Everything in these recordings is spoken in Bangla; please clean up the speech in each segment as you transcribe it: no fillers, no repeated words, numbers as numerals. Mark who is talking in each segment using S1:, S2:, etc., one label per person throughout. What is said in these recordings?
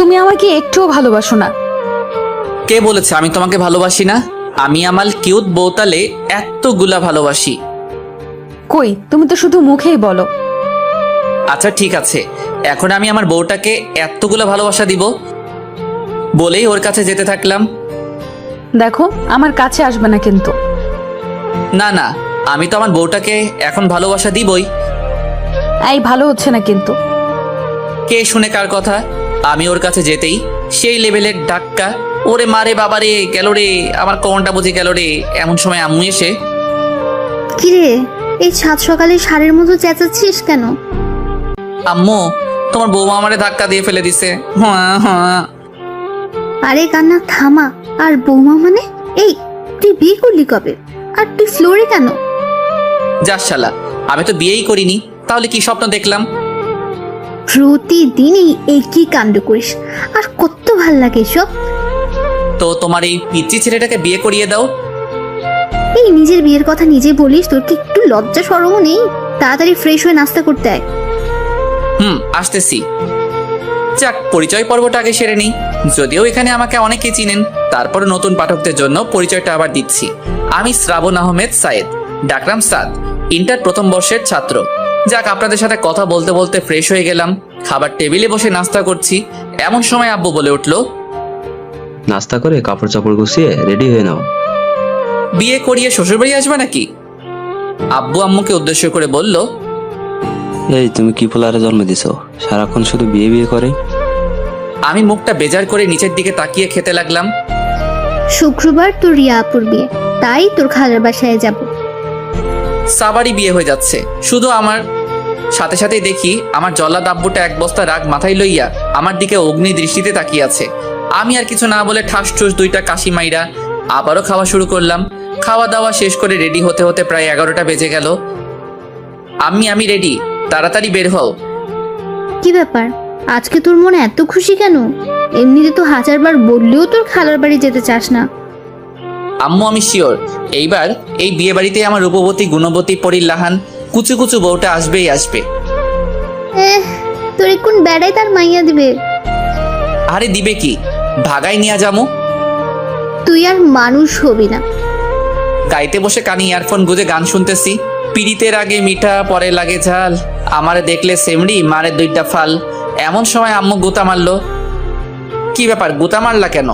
S1: তুমি আমাকে একটুও ভালোবাসো না।
S2: কে বলেছে আমি তোমাকে ভালোবাসি না? আমি আমার কিউট বউতালে এতগুলা ভালোবাসি।
S1: কই, তুমি তো শুধু মুখেই বলো।
S2: আচ্ছা ঠিক আছে, এখন আমি আমার বউটাকে এতগুলা ভালোবাসা দিব বলেই ওর কাছে যেতে থাকলাম।
S1: দেখো, আমার কাছে আসবে না কিন্তু।
S2: না না, আমি তো আমার বউটাকে এখন ভালোবাসা দিবই।
S1: এই ভালো হচ্ছে না কিন্তু।
S2: কে শুনে কার কথা? আমি ওর কাছে যেতেই সেই লেভেলের ডাক্কা, ওরে মারে বাবারে গেল রে, আমার কোনটা বুঝে গেল রে। এমন সময় আম্মু এসে,
S3: কিরে, এই সাত সকালে ষাঁড়ের মতো চেঁচাচ্ছিস কেন?
S2: আম্মু তোমার বৌমা আমারে ধাক্কা দিয়ে ফেলে দিছে। হ্যাঁ হ্যাঁ।
S3: আরে কান্না থামা। আর বৌমা মানে? এই, তুই বিয়ে করলি কবে? আর তুই ফ্লোরে কেন?
S2: যাস শালা, আমি তো বিয়েই করিনি, তাহলে কি স্বপ্ন দেখলাম?
S3: প্রতিদিনই একই কাণ্ড করিস, আর কত ভাল লাগে এসব।
S2: তো তোমার এই পিচ্চি ছেলেটাকে বিয়ে করিয়ে দাও।
S3: এই নিজের বিয়ের কথা নিজে বলিস, তোর কি একটু লজ্জা শরমও নেই? তাড়াতাড়ি ফ্রেশ হয়ে নাস্তা করতে আয়।
S2: আসতেছি। যাক, পরিচয় পর্বটা আগে সেরে নিই। যদিও এখানে আমাকে অনেকে চিনেন, তারপর নতুন পাঠকদের জন্য পরিচয়টা আবার দিচ্ছি। আমি শ্রাবণ আহমেদ সায়েদ, ডাকরাম সাদ, ইন্টার প্রথম বর্ষের ছাত্র। যাক, আপনাদের সাথে কথা বলতে বলতে ফ্রেশ হয়ে গেলাম, খাবার টেবিলে বসে নাস্তা করছি। এমন সময় আব্বু বলে উঠলো,
S4: নাস্তা করে কাপড় চাপড় গুছিয়ে রেডি হয়ে নাও।
S2: বিয়ে করিয়ে শ্বশুরবাড়ি আসবে নাকি? আব্বু আম্মুকে উদ্দেশ্য করে বলল,
S4: এই তুমি কি পোলারে জন্ম দিছো, সারাক্ষণ শুধু বিয়ে বিয়ে করে।
S2: আমি মুখটা বেজার করে নিচের দিকে তাকিয়ে খেতে লাগলাম।
S3: শুক্রবার তোর রিয়া আপুর বিয়ে, তাই তোর খালার বাসায় যাব।
S2: সাবারই বিয়ে হয়ে যাচ্ছে, শুধু আমার সাথে সাথেই দেখি আমার জল্লাদ আব্বুটা এক বস্তা রাগ মাথায় লইয়া আমার দিকে অগ্নি দৃষ্টিতে তাকিয়ে আছে। আমি আর কিছু না বলে ঠাস ঠুস দুইটা কাশি মাইরা আবারও খাওয়া শুরু করলাম। খাওয়া দাওয়া শেষ করে রেডি হতে হতে প্রায় 11টা বেজে গেল। আমি রেডি, তাড়াতাড়ি বের হও।
S3: কি ব্যাপার, আজকে তোর মনে এত খুশি কেন? এমনিতে তো হাজারবার বললেও তোর খালার বাড়ি যেতে চাস না।
S2: আম্মু আমি শিওর এইবার এই বিয়ে বাড়িতে আমার রূপবতী গুণবতী পরিল্লাহান কুচু কুচু বউটা আসবেই আসবে।
S3: তোর কোন বেড়াই তার মাইয়া দিবে?
S2: আরে দিবে কি, ভাগাই নিয়ে যামু।
S3: তুই আর মানুষ হবি না।
S2: গাইতে বসে কানে ইয়ারফোন গুঁজে গান শুনতেছি। পিড়িতের আগে মিঠা পরে লাগে ঝাল, আমারে দেখলে সেমড়ি মারে দুইটা ফাল। এমন সময় আম্মু গুতা মারলো। কি ব্যাপার, গুতা মারলা কেন?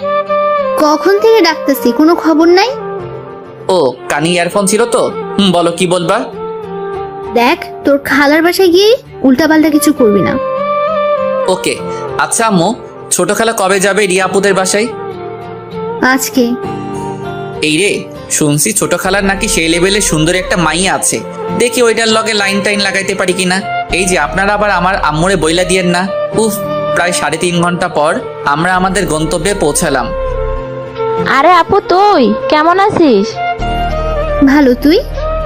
S3: কখন থেকে ডাকতেছি, কোনো খবর নাই?
S2: ও, কানে ইয়ারফোন ছিল তো। বলো কি বলবা।
S3: দেখ, তোর খালার বাসায় গিয়ে উল্টাপাল্টা কিছু করবি না।
S2: ওকে। আচ্ছা আম্মু, ছোট খালা কবে যাবে রিয়া আপুদের বাসায়?
S3: আজকে।
S2: এই রে, শুনছি ছোট খালার নাকি সেই লেভেলে সুন্দর একটা মাইয়া আছে, দেখি ওইটার লগে লাইন টাইন লাগাইতে পারি কিনা। এই যে আপনারা আবার আমার আম্মুরে বইলা দিয়েন না। উফ, প্রায় 3.5 ঘন্টা পর আমরা আমাদের গন্তব্যে পৌঁছালাম।
S5: আরে আপু, তুই কেমন আছিস?
S3: ভালো, তুই?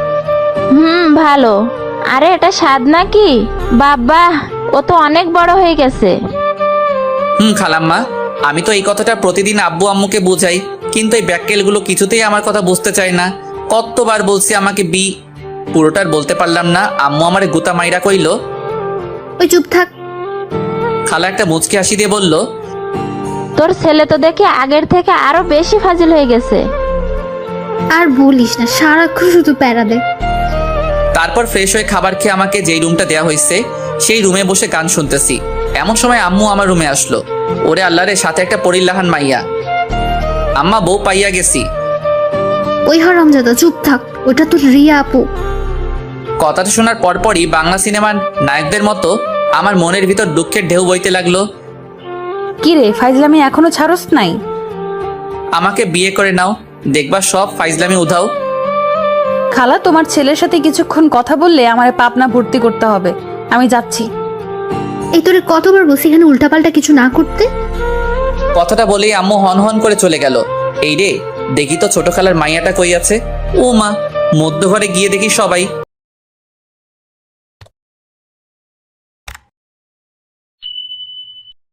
S5: ভালো। আরে এটা স্বাদ নাকি? বাবা, ও তো অনেক বড় হয়ে গেছে।
S2: খালাম্মা, আমি তো এই কথাটা প্রতিদিন আব্বু আম্মুকে বুঝাই, কিন্তু এই ব্যাককেলগুলো কিছুতেই আমার কথা বুঝতে চায় না। কতবার বলছি আমাকে পুরোটার বলতে পারলাম না। আম্মু আমারে গুতা মাইরা কইল।
S3: ওই চুপ থাক।
S2: খালা একটা মুচকি হাসি দিয়ে বলল,
S5: তোর ছেলে তো দেখে আগের থেকে আরো বেশি ফাজিল হয়ে গেছে।
S3: আর বলিস না, সারাক্ষণ শুধু প্যারা দে।
S2: তারপর ফ্রেশ হয়ে খাবার খেয়ে আমাকে যেই রুমটা দেওয়া হয়েছে সেই রুমে বসে গান শুনতেছি। এমন সময় আম্মু আমার রুমে আসলো। ওরে আল্লাহরে, সাথে একটা পরিল্লাহান মাইয়া। আম্মা, বউ পাইয়া গেছি।
S3: ওই হারামজাদা, চুপ থাক, ওটা তোর রিয়া আপু।
S2: কথাটা শোনার পরপরই বাংলা সিনেমার নায়কদের মতো আমার মনের ভিতর দুঃখের ঢেউ বইতে লাগলো।
S1: কি রে, ফাইজলামি এখনো ছাড়স নাই?
S2: আমাকে বিয়ে করে নাও, দেখবা সব ফাইজলামি উধাও।
S1: খালা, তোমার ছেলের সাথে কিছুক্ষণ কথা বললে আমার পাবনা ভর্তি করতে হবে। আমি যাচ্ছি।
S3: এই তোরে কতবার বলছি এখানে উল্টাপাল্টা কিছু না করতে।
S2: কথাটা বলেই আম্মু হন হন করে চলে গেল। এই রে, দেখি তো ছোট খালার মাইয়াটা কই আছে। ও মা, মধ্য ঘরে গিয়ে দেখি সবাই